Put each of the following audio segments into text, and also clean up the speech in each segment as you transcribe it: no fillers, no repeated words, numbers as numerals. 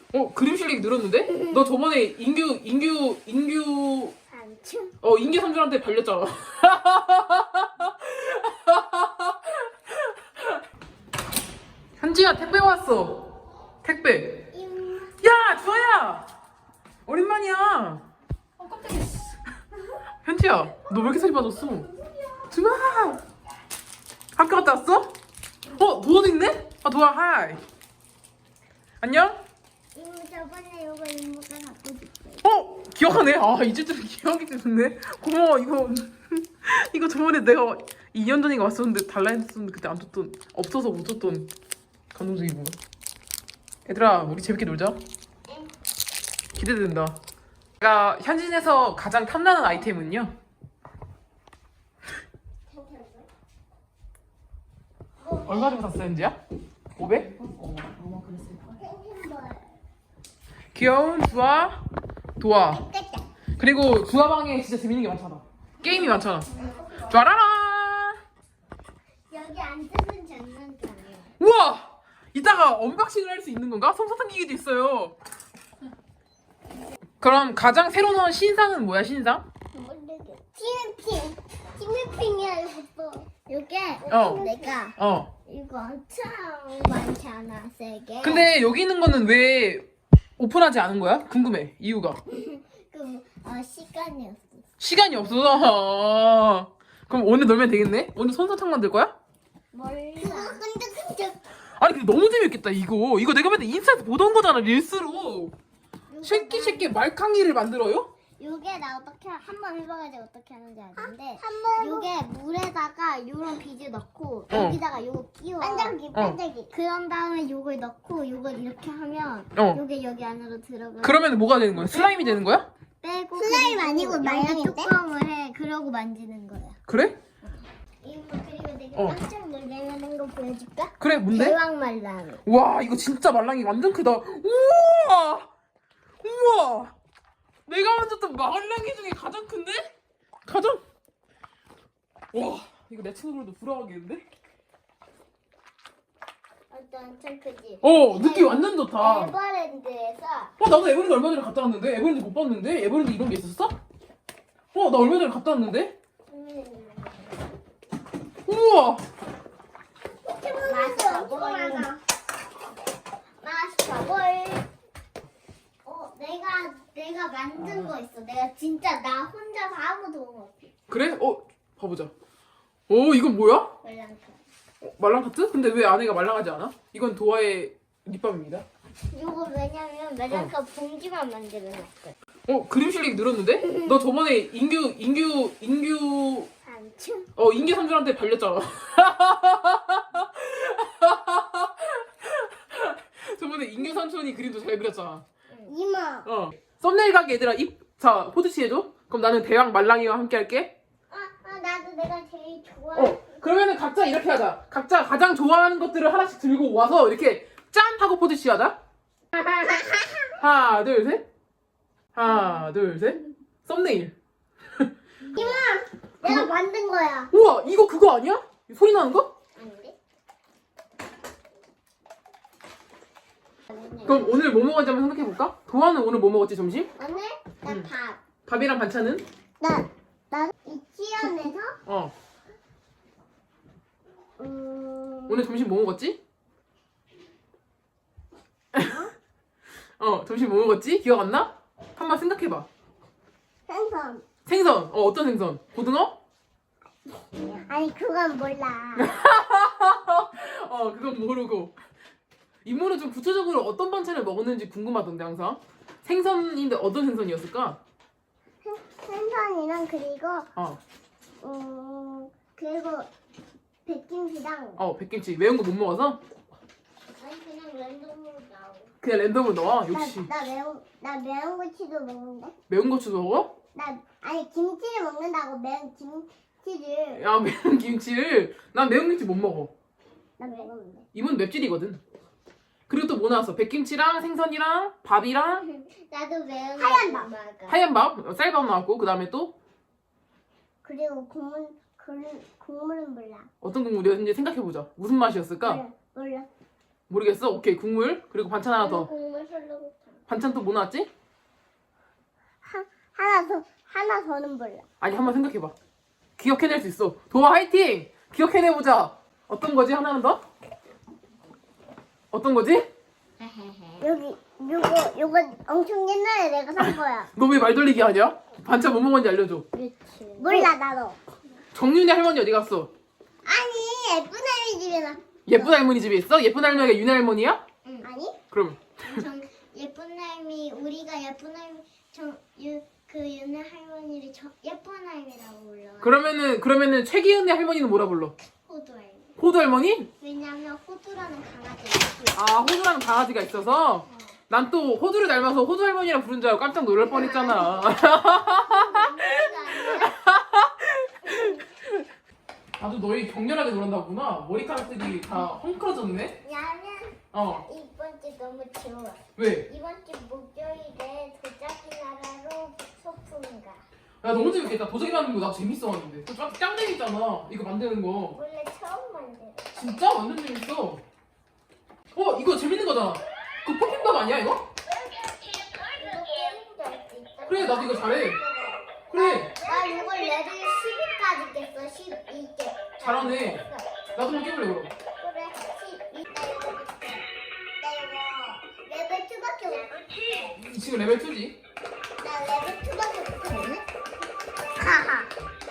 그림 실력이 늘었는데? 너 저번에 인규 삼촌. 인규 삼촌한테 발렸잖아. 현지야, 택배 왔어. 택배. 야, 주아야! 오랜만이야. 깜짝이야. 현지야, 너 왜 이렇게 살이 빠졌어? 주아! 학교 갔다 왔어? 도아도 있네? 도아, 하이. 안녕? 이모 저번에 요거 이모가 갖고 줬어요. 기억하네. 이제쯤 기억이 드네. 고마워. 이거 저번에 내가 2년 전인가 왔었는데 달라 했었는데 그때 안 줬던, 없어서 못 줬던 감동적이고. 얘들아, 우리 재밌게 놀자. 기대된다. 내가 현진에서 가장 탐나는 아이템은요, 얼마 주고 샀어, 현지야? 500? 아마 그랬을걸. 귀여운 주아, 도아. 그리고 주아 방에 진짜 재밌는 게 많잖아. 게임이 많잖아. 짜라라! 여기 앉으면 장난감이에요. 우와! 이따가 언박싱을 할 수 있는 건가? 솜사탕 기계도 있어요. 그럼 가장 새로 나온 신상은 뭐야, 신상? 티미핑이야 이것도. 요게 내가 이거 엄청 많지 않아 세게. 근데 여기 있는 거는 왜 오픈하지 않은 거야? 궁금해, 이유가. 시간이 없어. 시간이 없어서. 그럼 오늘 놀면 되겠네? 오늘 솜사탕 만들 거야? 몰라. 근데 아니 근데 너무 재밌겠다 이거 내가 맨날 인스타에서 보던 거잖아, 릴스로. 쉐끼 말캉이를 만들어요? 요게 나 어떻게 한번 해봐가지고 어떻게 하는지 아는데 요게 물에다가 요런 비즈 넣고 여기다가 요거 끼워 반짝이 그런 다음에 요걸 넣고 요걸 이렇게 하면 요게 여기 안으로 들어가. 그러면 뭐가 되는 거야? 슬라임이 되는 거야? 빼고 슬라임 아니고 여기 뚜껑을 해. 그러고 만지는 거야. 그래? 이거 그리고 내가 깜짝 놀라는 거 보여줄까? 그래, 뭔데? 대왕 말랑. 와, 이거 진짜 말랑이 완전 크다. 우와! 내가 만졌던 말랑이 중에 가장 큰데? 와, 이거 내 친구들도 부러워하겠는데? 엄청 크지? 느낌 완전 좋다. 에버랜드에서 나도 에버랜드 얼마 전에 갔다 왔는데? 에버랜드 못 봤는데? 에버랜드 이런 게 있었어? 나 얼마 전에 갔다 왔는데? 우와! 마스터볼. 내가 만든 거 있어. 내가 진짜 나 혼자서 아무도 못. 그래? 봐보자. 이건 뭐야? 말랑카. 말랑 카트? 근데 왜 안에가 말랑하지 않아? 이건 도아의 립밤입니다. 이거 왜냐면 말랑카 봉지만 만들어 놨거든. 그림 실력이 늘었는데? 너 저번에 인규 삼촌. 인규 삼촌한테 발렸잖아. 저번에 인규 삼촌이 그림도 잘 그렸잖아. 이모. 썸네일 가게 얘들아, 자, 포즈치 해줘. 그럼 나는 대왕 말랑이와 함께 할게. 나도 내가 제일 좋아. 그러면은 각자 이렇게 하자. 각자 가장 좋아하는 것들을 하나씩 들고 와서 이렇게 짠 하고 포즈치 하자. 하나, 둘, 셋. 하나, 둘, 셋. 썸네일. 이모. 내가 만든 거야. 우와, 이거 그거 아니야? 소리 나는 거? 아닌데? 그럼 오늘 뭐 먹었지 한번 생각해볼까? 도아는 오늘 뭐 먹었지, 점심? 오늘 나 밥. 밥이랑 반찬은? 나 유치원에서 오늘 점심 뭐 먹었지? 점심 뭐 먹었지? 기억 안 나? 한번 생각해봐. 생선. 생선. 어떤 생선? 고등어? 아니 그건 몰라. 그건 모르고. 이모는 좀 구체적으로 어떤 반찬을 먹었는지 궁금하던데 항상. 생선인데 어떤 생선이었을까? 생선이랑 그리고 어. 그리고 백김치랑. 백김치. 매운 거 못 먹어서? 아니 그냥 랜덤으로 나오. 그냥 랜덤으로 넣어? 역시. 나 매운 고추도 먹는데. 매운 고추도 먹어? 아니 김치를 먹는다고 매운 김치를. 야, 매운 김치를. 난 매운 김치 못 먹어. 나 먹었는데. 이모는 맵찔이거든. 그리고 또 뭐 나왔어? 백김치랑 생선이랑 밥이랑 나도 매운 하얀 밥 먹어. 하얀 밥, 쌀밥 나왔고 그 다음에 또 그리고 국물은 몰라. 어떤 국물이었는지 생각해보자. 무슨 맛이었을까? 몰라. 모르겠어? 오케이 국물 그리고 반찬 하나 더. 국물 설렁탕. 반찬 또 뭐 나왔지? 하나 더는 몰라. 아니 한번 생각해봐. 기억해낼 수 있어. 도아 화이팅! 기억해내보자. 어떤 거지? 하나는 더? 어떤 거지? 여기 요거 엄청 옛날에 내가 산 거야. 너 왜 말 돌리기 하냐? 반찬 뭐 먹었는지 알려줘. 그렇지. 몰라 나도. 정윤이 할머니 어디 갔어? 아니 예쁜 아이 집에 나. 예쁜 할머니 집에 있어? 예쁜 할머니가 윤희 할머니야? 응. 아니? 그럼 예쁜 할머니 우리가 예쁜 할머니 그 윤혜 할머니를 예쁜 할머니라고 불러. 그러면은 최기은의 할머니는 뭐라 불러? 호두 할머니. 호두 할머니? 왜냐면 호두라는 강아지가 있어. 아 호두라는 강아지가 있어서 난 또 호두를 닮아서 호두 할머니라 부른 줄 알고 깜짝 놀랄 뻔했잖아. 아주 너희 격렬하게 놀았나보구나. 머리카락들이 다 헝클어졌네. 나는 이번 주 너무 좋아. 왜? 이번 주 목요일에 도자기 나라로 소풍가. 야 너무 재밌겠다. 도자기 만드는 거 나 재밌어 하는데. 짱 재밌잖아. 이거 만드는 거. 원래 처음 만들어. 진짜 완전 재밌어. 이거 재밌는 거잖아. 그 포켓몬 아니야 이거? 이거 게임도 할 수 있다. 그래 나도 이거 잘해. 그래 나 이걸 레벨 12까지 깼어. 12개. 잘하네. 나도 한번 깨볼래 그럼. 그래 12. 나 이거 레벨 2밖에 못. 지금 레벨 2지. 나 레벨 2밖에 못했네. 하하.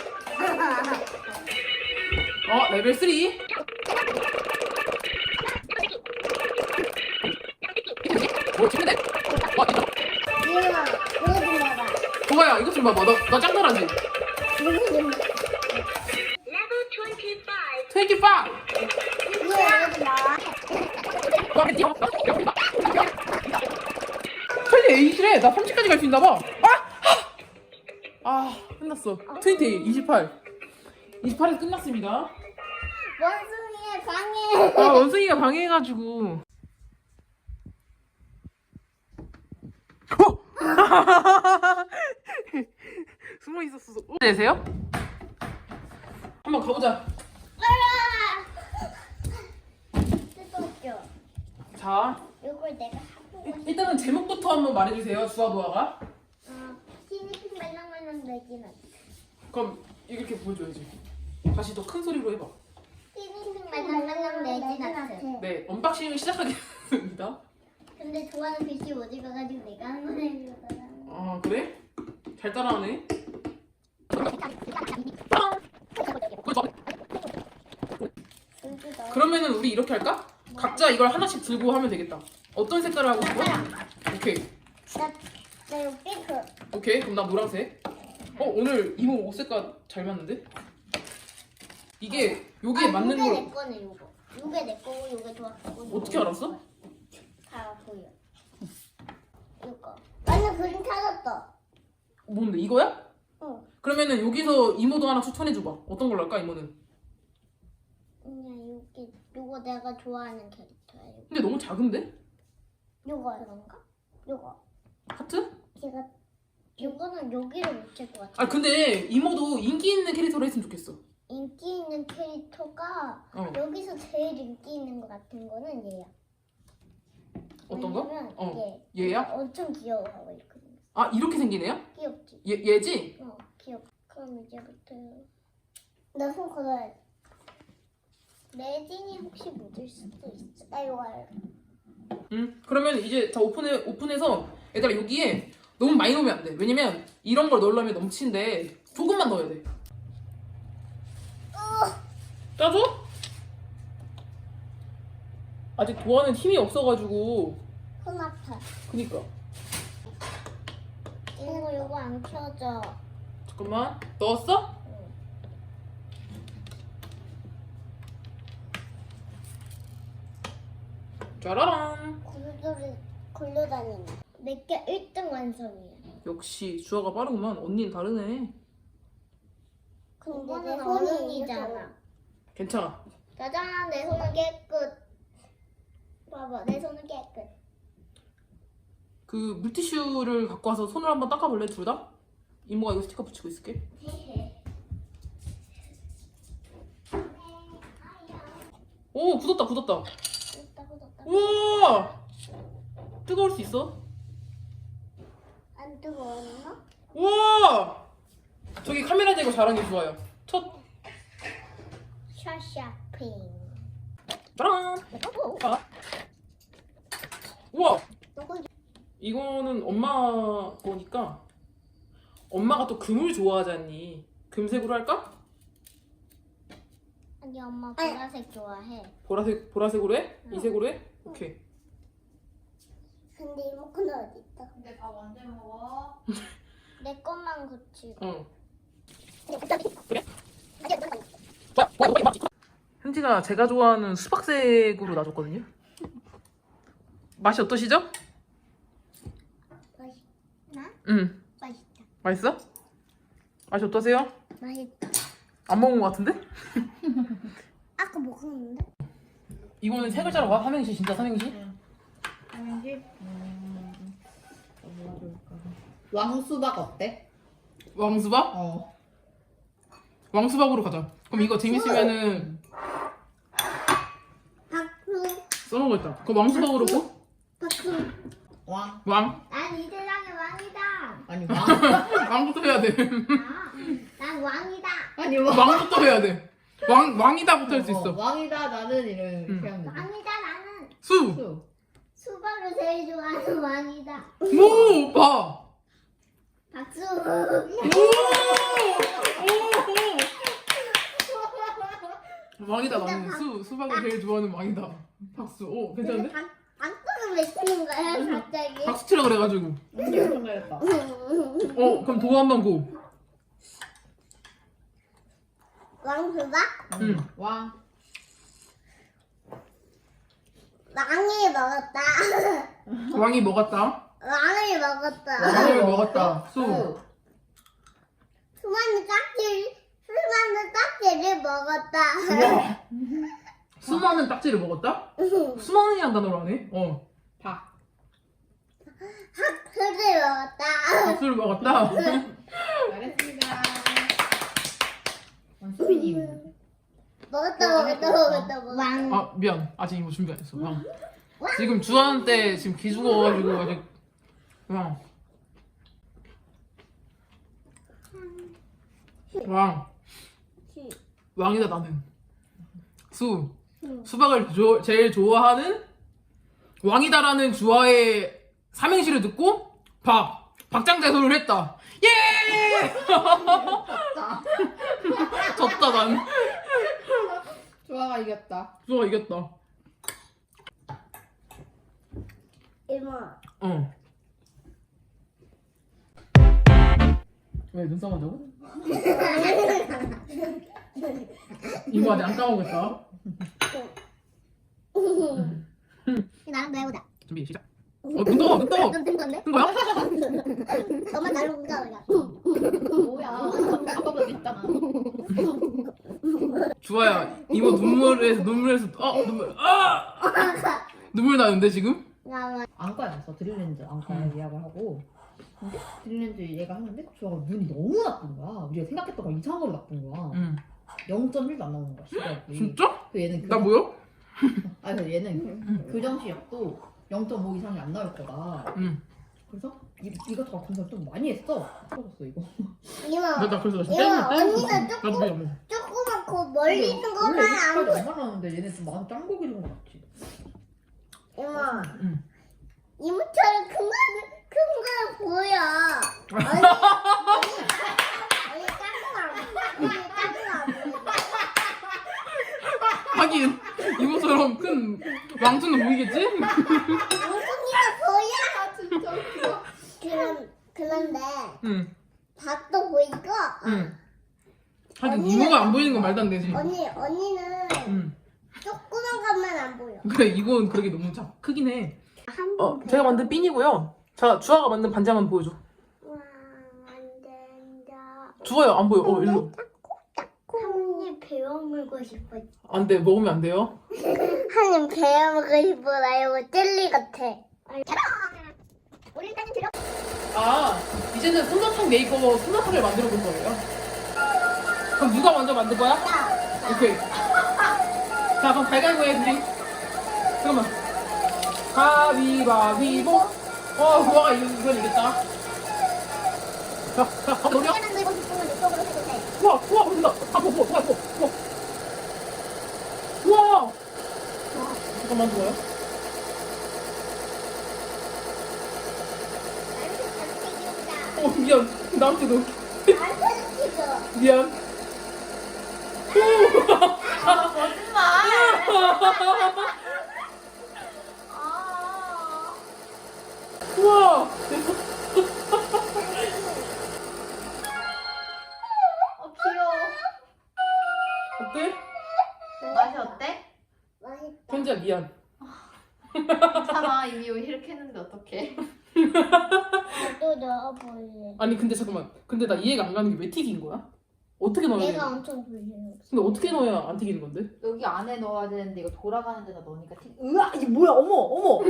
레벨 3. 재밌네. 이거 좀 봐봐. 도아야 이거 좀 봐봐. 나 짱 잘하지? 이거 좀. 25. 이거 좀 나와. 빨리 8이래. 나 30까지 갈 수 있나봐. 끝났어. 28. 28에서 끝났습니다. 원숭이의 방해. 원숭이가 방해해가지고. 숨어 있었어. 내세요? 한번 가보자. 뜯어줘. 자, 이걸 내가 하고 싶어. 일단은 제목부터 한번 말해주세요. 주아도아가. 티니핑 말랑말랑 내기는. 그럼 이렇게 보여줘야지. 다시 더 큰 소리로 해봐. 티니핑 말랑말랑 내기는. 네, 언박싱을 시작하겠습니다. 근데 좋아하는 글씨 어디 가가지고 내가 한 번 해주잖아. 그래? 잘 따라하네. 그러면은 우리 이렇게 할까? 각자 이걸 하나씩 들고 하면 되겠다. 어떤 색깔을 하고 싶어? 오케이. 나 이거 핑크. 오케이. 그럼 나 노란색. 오늘 이모 옷 색깔 잘 맞는데? 이게 여기에 맞는 요게 걸 내 거네 요거. 요게 내 거고 요게 좋았고. 어떻게 알았어? 다 보여. 이거. 완전 그림 찾았다. 뭔데 이거야? 응. 그러면은 여기서 이모도 하나 추천해 줘봐. 어떤 걸로 할까 이모는? 그냥 요거 내가 좋아하는 캐릭터야. 근데 너무 작은데? 요거 이건가? 요거. 하트? 제가 요거는 여기를 못 칠 것 같아. 근데 이모도 인기 있는 캐릭터로 했으면 좋겠어. 인기 있는 캐릭터가 여기서 제일 인기 있는 것 같은 거는 얘야. 어떤 거? 왜냐면 얘야? 엄청 귀여워하고 있거든. 이렇게 생긴 애야? 귀엽지? 얘지? 귀엽. 그럼 이제부터 나 손 걷어야지. 레진이 혹시 묻을 수도 있어. 나 이거 알아. 그러면 이제 다 오픈해서 얘들아 여기에 너무 많이 넣으면 안 돼. 왜냐면 이런 걸 넣으려면 넘치는데 조금만 넣어야 돼. 짜줘? 아직 도안은 힘이 없어가지고. 손 아파. 그니까. 이거 안 켜져. 잠깐만. 넣었어? 짜라란. 굴돌이 굴러다니네. 내게 1등 완성이야. 역시 주아가 빠르구만. 언니는 다르네. 근데 내 손이잖아. 괜찮아. 짜잔, 내 손은 깨끗. 봐봐, 내 손은 깨끗. 그 물티슈를 갖고 와서 손을 한번 닦아볼래 둘 다? 이모가 이거 스티커 붙이고 있을게. 오 굳었다. 뜯다. 우와! 뜨거울 수 있어? 안 뜨거웠나? 우와! 저기 카메라 대고 잘하는 게 좋아요. 첫 샤샤핑. 짜란! 아. 우와! 누구? 이거는 엄마 거니까 엄마가 또 금을 좋아하잖니. 금색으로 할까? 아니 엄마 보라색 좋아해. 보라색으로 해? 이색으로 해? 오케이. 근데 이모컨 어디 있다? 근데 밥 언제 먹어? 내 것만 고치고. 응. 그래? 현지가 제가 좋아하는 수박색으로 놔줬거든요. 맛이 어떠시죠? 맛있나? 응. 맛있다. 맛있어? 맛이 어떠세요? 맛있다. 안 먹은 것 같은데? 아까 먹었는데? 이거는 세 글자로 봐? 삼행시 진짜 삼행시? 삼행시? 뭐가 좋을까? 왕수박 어때? 왕수박? 어. 왕수박으로 가자. 그럼 이거 재밌으면은 박수. 써먹을까? 그럼 왕수박으로 고? 박수. 왕. 왕? 난 이 세상의 왕이다. 아니 왕. 왕부터 해야 돼. 난 왕이다. 아니 왕. 왕부터 해야 돼. 왕이다부터 할 수 있어. 왕이다 나는 이런 응. 그냥 왕이다 나는. 수! 수. 수박을 제일 좋아하는 왕이다. 오! 오빠! 박수. 왕이다 나는 수박을 제일 좋아하는 왕이다. 박수. 오 괜찮은데? 박수는 왜 치는 거야 갑자기? 박수 치라 그래가지고. 엄청 잘했다. 그럼 도 한번 고. 왕수박? 응. 왕. 왕이 먹었다. 왕이 먹었다. 왕을 먹었다. 왕을 먹었다. 수. 수많은 딱지를 먹었다. 우와. 수많은 딱지를 먹었다? 수많은이란 단어로 하네? 박. 학수를 먹었다. 박수를 먹었다? 잘했습니다. 수빈님. 먹었다. 왕. 아 미안 아직 이거 준비 안 했어. 왕. 지금 주한 때 지금 기 죽어가지고 아직 왕 왕이다 나는. 수박을 제일 좋아하는 왕이다라는 주화의 삼행시를 듣고 박장대소를 했다. 예! 졌다 난. 주아가 이겼다. 주화가 이겼다. 이모. 왜 눈싸움 한다고? 이거 아직 안 까먹었다. 나랑 배우자. 준비 시작. 눈 떠! 눈 떠! 된 건데? 뜬 거야? 너만 나를 공감하자. 뭐야? 아까보다 있잖아. 주아야 이모 눈물에서 눈물 나는데 지금? 나만. 안과에 갔어. 드릴렌즈 안과에 예약을 하고. 근데 드릴렌즈 얘가 하는데 주아가 눈이 너무 나쁜 거야. 우리가 생각했던 거 이상한 걸로 나쁜 거야. 응. 0.1도 안 나오는 거야. 시력이. 진짜? 그 얘는 나 뭐야? 아니 그래서 얘는 교정 시력도 0.5 이상이 안 나올 거다. 응. 그래서 이것저것 검사를 좀 많이 했어. 떨어졌어 이거. 이모. 나 그래서 이모, 언니가 나도 조금 미안. 조그맣고 멀리 있는 것만 원래 안 보여. 이렇게까지 안 말하는데 얘네 좀 많이 짱고기 좀 같지. 이모. 응. 이모처럼 큰 거 보여. 언니 작은 거 하긴 이모처럼 큰 왕투는 보이겠지? 엉덩이가 보여. 아 진짜 웃겨. 그런데 응. 밥도 보이고 응. 하긴 이모가 안 보이는 건 말도 안 되지. 언니는 응. 조그만 것만 안 보여. 그래 이건 그러게 너무 크긴 해. 한 제가 만든 핀이고요. 자 주아가 만든 반지 한번 보여줘. 와, 안 된다. 주아야 안 보여. 일로. 한입 베어 물고 싶어. 안 돼. 먹으면 안 돼요. 한입 베어 먹고 싶어. 나 이거 젤리 같아. 우리 일단 들어. 이제는 솜사탕 메이커 솜사탕을 만들어 볼 거예요. 그럼 누가 먼저 만들 거야? 오케이. 자 그럼 가위바위보 해 둘이. 잠깐만. 가위바위보. 구아가 이건 이겼다. 자, 노려. 하나 들고 싶으면 이쪽으로 해도 돼. 구아 온다. 구아. 잠깐만 누워요. 미안. 나한테 너 미안. 우와. 귀여워. 어때? 맛이 어때? 맛있다. 현지야 미안. 괜찮아. 이미 이렇게 했는데 어떡해. 또 넣어볼래. 아니 근데 잠깐만. 근데 나 이해가 안 가는 게 왜 튀긴 거야? 어떻게 넣어야 돼? 내가 엄청 불려요. 근데 어떻게 넣어야 안 튀기는 건데? 여기 안에 넣어야 되는데 이거 돌아가는 데다 넣으니까 으아! 이게 뭐야? 어머!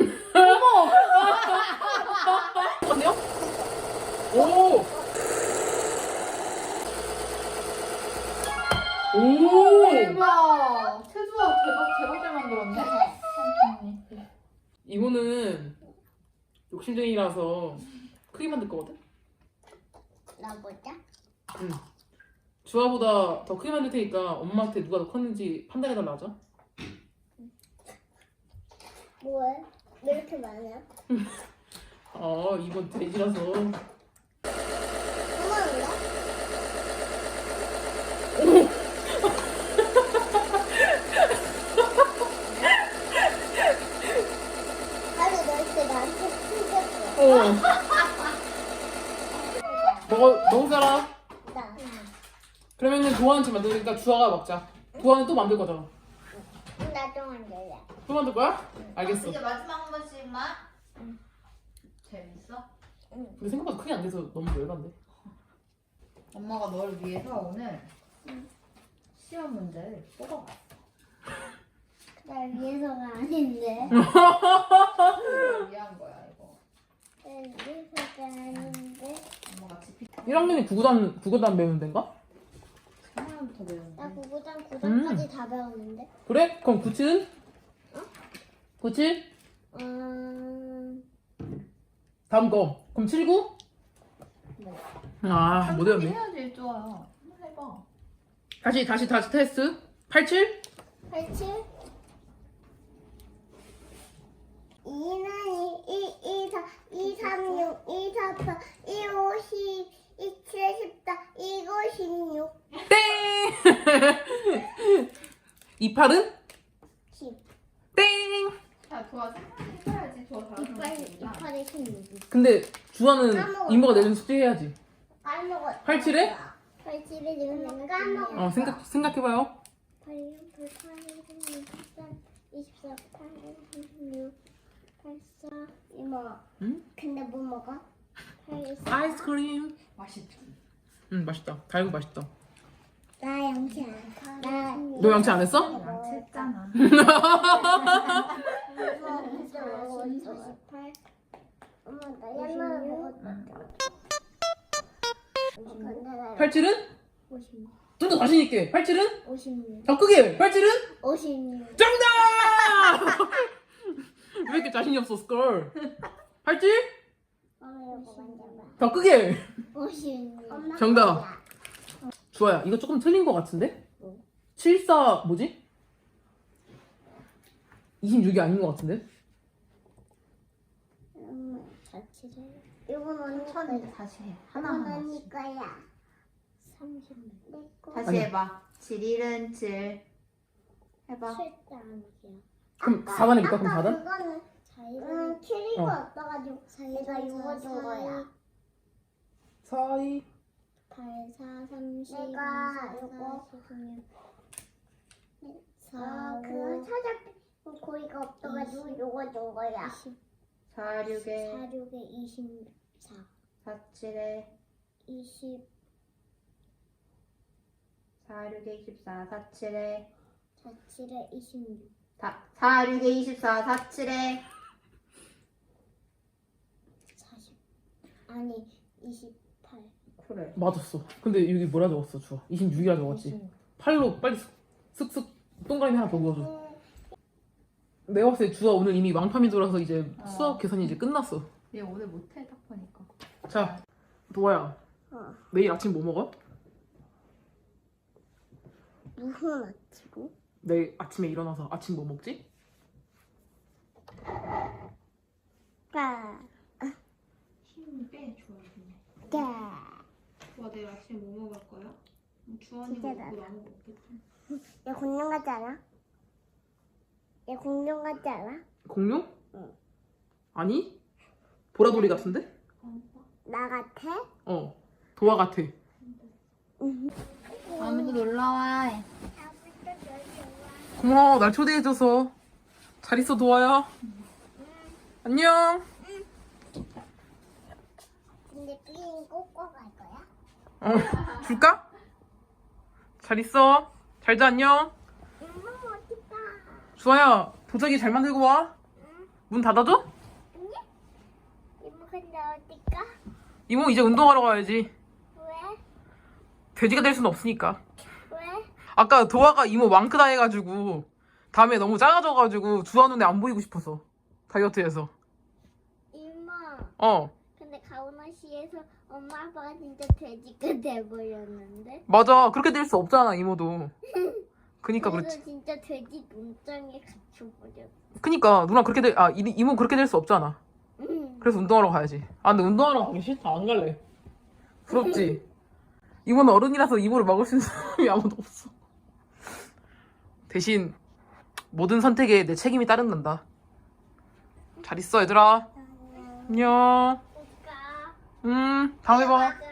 아니요? 오! 오! 대박! 태주야 대박 잘 만들었네. 이거는 욕심쟁이라서 크게 만들 거거든? 넣어보자. 응. 주아보다 더 크게 만들 테니까 엄마한테 누가 더 컸는지 판단해달라 하자. 뭐해? 왜 이렇게 많아? 이건 돼지라서. 고마운가? 아니 넣을 때 나한테 튕겼어. 먹을 사람? 나. 그러면은 도안치 만드니까 주아가 먹자. 도안은 또 만들 거잖아. 나도 만들래. 또 만들 거야? 알겠어. 이제 마지막 한 번씩만. 재밌어? 근데 생각보다 크게 안 돼서 너무 열받네. 엄마가 너를 위해서 오늘 시험 문제를 뽑아봤어. 날 위해서가 아닌데. 너를 위한 거야 이거. 날 위해서가 아닌데. 엄마가 지피 1학년이 국어단 배우는 데인가? 하나부터 배우는 나 거. 9구단 9단까지 다 배웠는데. 그래? 그럼 97은? 97? 다음 거. 그럼 79? 네. 못 외웠네. 해야지 좋아요. 한번 해봐. 다시 테스트. 87? 87 2는 2, 4, 2, 3, 6, 2, 4, 8, 2, 5, 10, 2, 7, 14, 2, 9, 16, 땡! 28은? 10. 땡! 자, 좋아. 생각해야지. 좋아. 잘하는 28에 16. 근데 주아는 까먹었다. 이모가 내준 숙제 해야지. 까먹었다. 87에? 87에 지금 까먹었다. 생각해봐요. 8, 6, 8, 16, 13, 24, 8, 36, 84, 이모. 응? 근데 뭐 먹어? 84. 아이스크림. 맛있지. 맛있다. 달고 맛있다. 나 양치 안 해. 너 양치 안 했어? 양치했잖아. 58. 엄마 나 옛날에 먹었다. 87은? 56. 좀 더 자신 있게. 87은? 56. 더 크게. 87은? 56. 정답! 왜 이렇게 자신이 없어, 스컬? 87? 엄마 이거 만져봐. 더 크게. 56. 정답. 주아야, 이거 조금 틀린 거 같은데? 뭐? 74 뭐지? 26이 아닌 거 같은데? 자취를. 이건 언니 천천히 거야. 다시 해. 이건 하나하나. 언니 거야. 30. 내 거. 다시 아니야. 해봐. 7일은 7. 해봐. 절대 아니야. 그럼 4단 해볼까? 그럼 4단? 그거는 자기는 키리가 없어가지고 내가 이거 준 거야. 4, 2. 8, 4, 30, 내가 이거 4, 그거 찾아 고리가 없어가지고 요거 준 거야. 4, 6에 4, 6에 24, 4, 7에 20, 4, 6에 24, 4, 7에 4, 7에 26, 4, 6에 24, 4, 7에 40, 아니 28. 그래. 맞았어. 근데 여기 뭐라 적었어, 주아? 26이라 적었지. 8로 빨리 슥슥 동그라미 하나 더 그어줘. 내가 봤을 때 주아 오늘 이미 왕파민 돌아서 이제 어. 수학 계산이 이제 끝났어. 얘 오늘 못해 딱 보니까. 자, 도아야. 어. 내일 아침 뭐 먹어? 무슨 아치고? 내일 아침에 일어나서 아침 뭐 먹지? 까. 힘 빼, 좋아. 까. 좋아, 내일 아침에 뭐 먹을 거야? 주원이 진짜 먹고 나다. 나무 먹겠지. 얘 공룡 같지 않아? 얘 공룡 같지 않아? 공룡? 응. 아니? 보라돌이 같은데? 나 같아? 어. 도아 같아. 아무도 놀러와. 고마워. 날 초대해줘서. 잘 있어, 도아야. 안녕. 근데 삐인 꼬꼬 갈 거야? 어, 줄까? 잘 있어. 잘 자, 안녕. 엄마 어딨다? 주아야, 도자기 잘 만들고 와. 문 닫아줘? 아니? 이모 근데 어딜까? 이모 이제 운동하러 가야지. 왜? 돼지가 될 수는 없으니까. 왜? 아까 도아가 이모 왕크다 해가지고 다음에 너무 작아져가지고 주아 눈에 안 보이고 싶어서 다이어트해서. 이모 어, 근데 가오나시에서 엄마 아빠가 진짜 돼지가 돼버렸는데 맞아. 그렇게 될 수 없잖아, 이모도. 그니까 그래서 그렇지. 진짜 돼지 농장에 갇혀버렸어. 그니까 누나 그렇게 이모 그렇게 될 수 없잖아. 그래서 운동하러 가야지. 아, 근데 운동하러 가기 싫다. 안 갈래. 부럽지? 이모는 어른이라서 이모를 막을 수 있는 사람이 아무도 없어. 대신 모든 선택에 내 책임이 따른단다. 잘 있어, 얘들아. 안녕. 오까 다음에 봐. 맞아.